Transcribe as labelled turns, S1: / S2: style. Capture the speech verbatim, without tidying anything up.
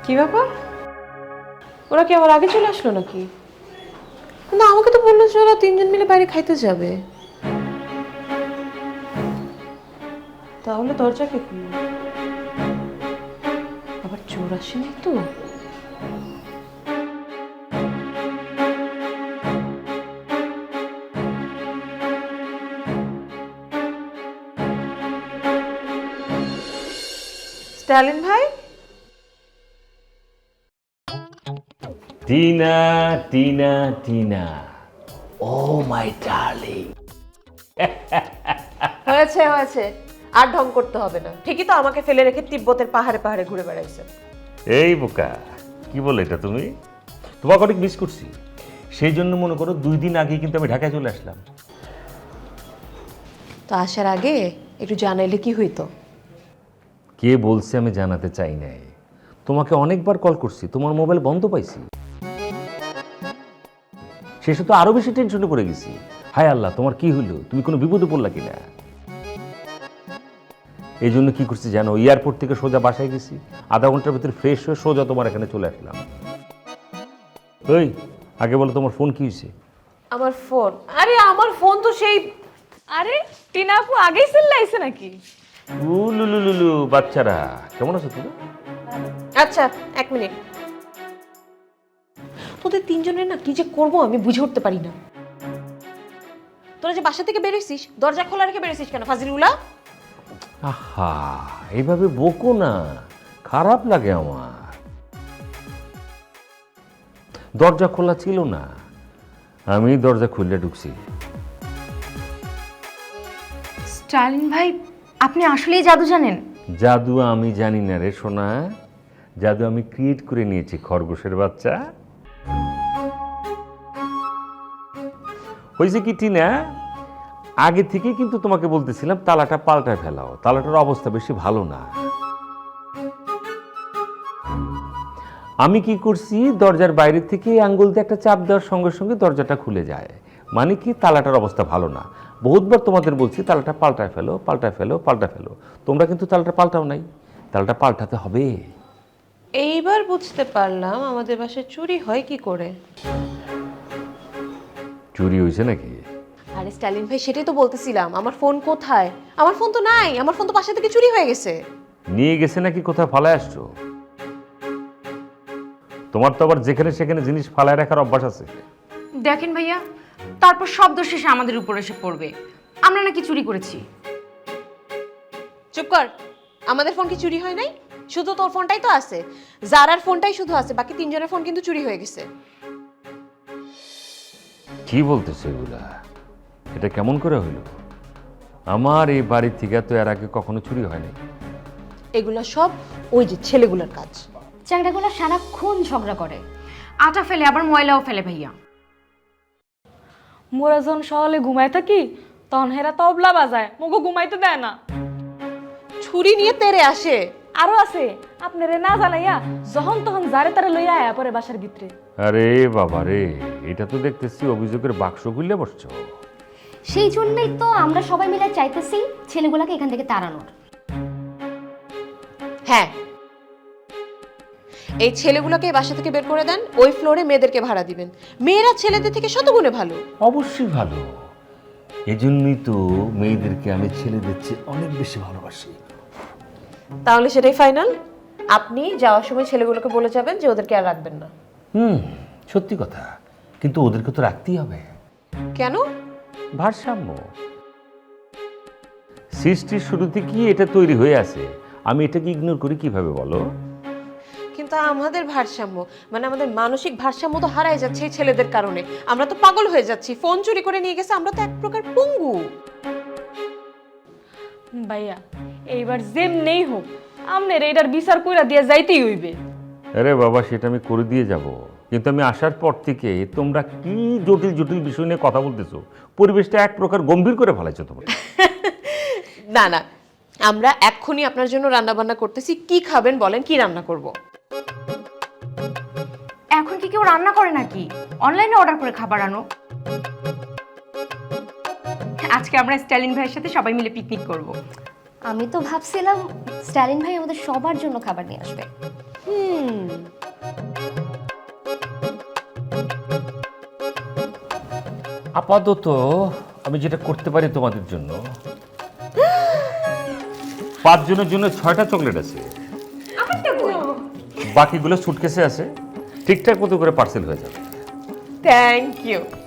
S1: কি ব্যাপার? ওরা কি আমার আগে চলে আসলো নাকি? না, আমাকে তো বললো যে ওরা তিনজন মিলে বাইরে খাইতে যাবে। তাহলে দরজা কে খুললো? আবার চোর আসেনি তো? স্টালিন ভাই,
S2: Tina Tina Tina, oh my darling.
S1: হয়েছে হয়েছে, আর ঢং করতে হবে না। ঠিকই তো আমাকে ফেলে রেখে তিব্বতের পাহাড়ে পাহাড়ে ঘুরে বেড়াইছে।
S2: এই বোকা, কি বলে এটা তুমি? তোমাকে অনেক মিস করছি, সেই জন্য মনে করো দুই দিন আগে কিন্তু আমি ঢাকায় চলে আসলাম।
S1: তো আসার আগে একটু জানাইলে কি হইতো?
S2: কে বলছে আমি জানাতে চাই নাই? তোমাকে অনেকবার কল করছি, তোমার মোবাইল বন্ধ পাইছি। শেষে তো আরো বেশি টেনশনে পড়ে গেছি। হায় আল্লাহ, তোমার কি হইলো? তুমি কোনো বিপদে পড়লা কিনা? এই জন্য কি করছি জানো, এয়ারপোর্ট থেকে সোজা বাসায় গেছি, আধা ঘন্টার ভিতরে ফ্রেশ হয়ে সোজা তোমার এখানে চলে আসলাম। ওই আগে বলো, তোমার ফোন কি হয়েছে?
S1: আমার ফোন? আরে আমার ফোন তো সেই...
S3: আরে টিনা আপু আগেই চিল্লাইছে নাকি?
S2: উলুলুলুলু, বাচ্চারা কেমন আছো তুমি?
S1: আচ্ছা এক মিনিট। তোদের তিনজনের না কি যে করবো আমি বুঝে উঠতে পারি না। তোরা যে বাসা থেকে বেরোইছিস, দরজা খোলা রেখে বেরোইছিস কেন ফাজিলুলা?
S2: আহা, এইভাবে বকো না, খারাপ লাগে আমার। দরজা খোলা ছিল না, আমি দরজা খুলে ঢুকছি।
S3: স্টালিন ভাই, আপনি আসলেই জাদু জানেন?
S2: জাদু আমি জানি না রে সোনা, জাদু আমি ক্রিয়েট করে নিয়েছি খরগোশের বাচ্চা। হয়েছে কি টিনা, আগে থেকেই কিন্তু তোমাকে বলতেছিলাম তালাটা পাল্টায় ফেলাও, তালাটার অবস্থা বেশি ভালো না। আমি কি করছি, দরজার বাইরে থেকে আঙ্গুল দিয়ে একটা চাপ দেওয়ার সঙ্গে সঙ্গে দরজাটা খুলে যায়, মানে কি তালাটার অবস্থা ভালো না। বহুতবার তোমাদের বলছি তালাটা পাল্টায় ফেলো পাল্টায় ফেলো পাল্টা ফেলো, তোমরা কিন্তু তালাটা পাল্টাও নাই। তালাটা পাল্টাতে হবে।
S1: এইবার বুঝতে পারলাম আমাদের বাসায় চুরি হয় কি করে।
S2: চুরি হয়েছে নাকি?
S1: আরে স্টালিন ভাই, সেটাই তো বলতেছিলাম, আমার ফোন কোথায়? আমার ফোন তো নাই, আমার ফোন তো বাসা থেকে চুরি হয়ে গেছে।
S2: নিয়ে গেছে নাকি কোথায় ফালায় আসছো? তোমার তো আবার যেখানে সেখানে জিনিস ফালায় রাখার অভ্যাস আছে।
S3: দেখেন ভাইয়া, তারপর শব্দ শেষে আমাদের উপর এসে পড়বে আমরা নাকি চুরি করেছি।
S1: চুপ কর। আমাদের ফোন কি চুরি হয় নাই? শুধু তোর ফোনটাই তো আছে, জারার ফোনটাই শুধু আছে, বাকি তিনজনের ফোন কিন্তু চুরি হয়ে গেছে।
S2: কি বলতেছে এগুলা? এটা কেমন করে হইল? আমার এই বাড়ির থেকে তো এর আগে কখনো চুরি হয়নি।
S1: এগুলা সব ওই যে ছেলেগুলোর কাজ।
S3: চ্যাংড়াগুলো সারাক্ষণ ঝগড়া করে, আটা ফেলে আবার ময়লাও ফেলে ভাইয়া।
S4: মোরা যখন সকালে ঘুমাই থাকি তখন হেরা তবলা বাজায়, মুগো ঘুমাইতে দেয় না।
S1: ছুরি নিয়ে তেরে আসে।
S4: আরো আছে, আপনারে না জানাইয়া যখন তখন যারে তারে লইয়া আয়া পরে বাসার ভিতরে।
S2: আরে বাবা রে, এটা তো দেখতেছি অভিযোগের বাক্স খুললে বসছো।
S5: সেই জন্যই তো আমরা সবাই মিলে চাইতেছি ছেলেগুলোকে এখান থেকে তাড়ানোর।
S1: হ্যাঁ, এই ছেলেগুলোকে বাসা থেকে বের করে দেন, ওই ফ্লোরে মেয়েদেরকে ভাড়া দিবেন। মেয়েরা ছেলেদের থেকে শতগুণে ভালো।
S2: অবশ্যই ভালো, এজন্যই তো মেয়েদেরকে আমি ছেলেদের চেয়ে অনেক বেশি ভালোবাসি।
S1: তাহলে সেটাই ফাইনাল। আপনি যাওয়ার সময় ছেলেগুলোকে বলে যাবেন যে ওদেরকে আর রাখবেন না।
S2: হুম, সত্যি কথা, কিন্তু ওদেরকে তো রাখতেই হবে।
S1: কেন?
S2: ভারসাম্য সৃষ্টির শুরুতে কি এটা তৈরি হয়ে আছে, আমি এটাকে ইগনোর করি কিভাবে বলো?
S1: কিন্তু আমাদের ভারসাম্য মানে আমাদের মানসিক ভারসাম্য তো হারাই যাচ্ছে এই ছেলেদের কারণে। আমরা তো পাগল হয়ে যাচ্ছি, ফোন চুরি করে নিয়ে গেছে, আমরা তো এক প্রকার পঙ্গু।
S4: ভাইয়া, এইবার যেমনেই হোক আমনের এটার বিচার কইরা দিয়ে যাইতেই হইবে।
S2: আরে বাবা, সেটা আমি করে দিয়ে যাব, কিন্তু আমি আসার পর থেকে তোমরা কি জটিল জটিল বিষয় নিয়ে কথা বলতেছো, পরিবেশটা এক প্রকার গম্ভীর করে ফেলাইছো তোমরা।
S1: না না, আমরা এক্ষুনি আপনার জন্য রান্না বান্না করতেছি। কি খাবেন বলেন, কি রান্না করব?
S3: এখন কি কেউ রান্না করে নাকি? অনলাইনে অর্ডার করে খাবার আনো। আজকে আমরা স্টালিন ভাইয়ের সাথে সবাই মিলে পিকনিক করব।
S5: আমি তো ভাবছিলাম স্ট্যালিন ভাই আমাদের সবার জন্য খাবার নিয়ে আসবে।
S1: হুম
S2: আপাতত আমি যেটা করতে পারি তোমাদের জন্য, পাঁচজনের জন্য ছয়টা চকলেট আছে, বাকিগুলো সুটকেসে আছে, ঠিকঠাক মতো করে পার্সেল হয়ে যাবে।
S1: Thank you.